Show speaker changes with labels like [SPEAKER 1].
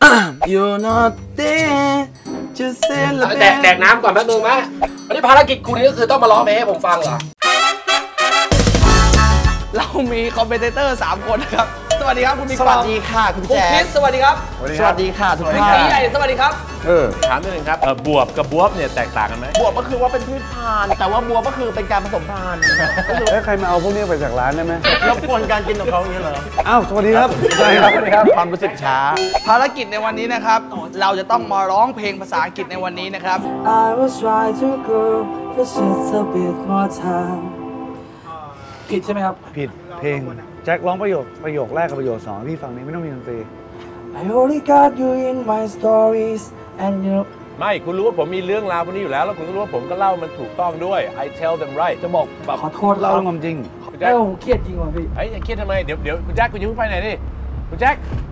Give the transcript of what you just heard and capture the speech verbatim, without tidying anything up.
[SPEAKER 1] You're not there just say
[SPEAKER 2] แดกแดกน้ำก่อนแป๊บนึงไหมวันนี้ภารกิจคุณนี่ก็คือต้องมาร้องเพลงให้ผมฟังเหรอ
[SPEAKER 1] เรามีคอมเมนเตอร์สามคนนะครับสวัสดีครับคุณมิก
[SPEAKER 3] สวัสดีค่ะคุณแจ๊ค
[SPEAKER 1] สวัสดีครับ
[SPEAKER 3] สวัสดีค่ะทุกท่าน
[SPEAKER 1] ใหญ่สวัสดีครับ
[SPEAKER 3] เออ
[SPEAKER 4] ถามนิดนึงครับบวบกับบวบเนี่ยแตกต่างกันไหม
[SPEAKER 3] บวบก็คือว่าเป็นพืชพันธุ์แต่ว่าบวบก็คือเป็นการผสมพันธุ์
[SPEAKER 5] แล้วใครมาเอาพวกนี้ไปจากร้านได้ไหม
[SPEAKER 3] รบกวนการกินของเขาอย่างนี้เหรอ
[SPEAKER 5] อ้าวสวัสดีครับสวัสดีครับสวัสดีครับ
[SPEAKER 3] ความรู้สึกช้า
[SPEAKER 1] ภารกิจในวันนี้นะครับเราจะต้องมาร้องเพลงภาษาอังกฤษในวันนี้นะครับ
[SPEAKER 6] I will try to go for just a bit more time
[SPEAKER 1] ผิดใช่ไหมครับ
[SPEAKER 5] ผิดเพลงแจ็คร้องประโยคประโยคแรกกับประโยคสองพี่ฟังนี้ไม่ต้องมีดนตรี
[SPEAKER 6] I only got you in my stories and you
[SPEAKER 4] ไม่คุณรู้ว่าผมมีเรื่องราวพวกนี้อยู่แล้วแล้วคุณก็รู้ว่าผมก็เล่ามันถูกต้องด้วย I tell them right
[SPEAKER 5] จะบอกแบบ
[SPEAKER 6] ขอโทษ
[SPEAKER 5] เล่าความจริง
[SPEAKER 6] เอ้าผมเครียดจริงว่ะพี่
[SPEAKER 4] เฮ้ยอย่าเครียดทำไมเดี๋ยวเดี๋ยวคุณแจ็คคุณยังไม่ไปไหนนี่คุณแจ็ค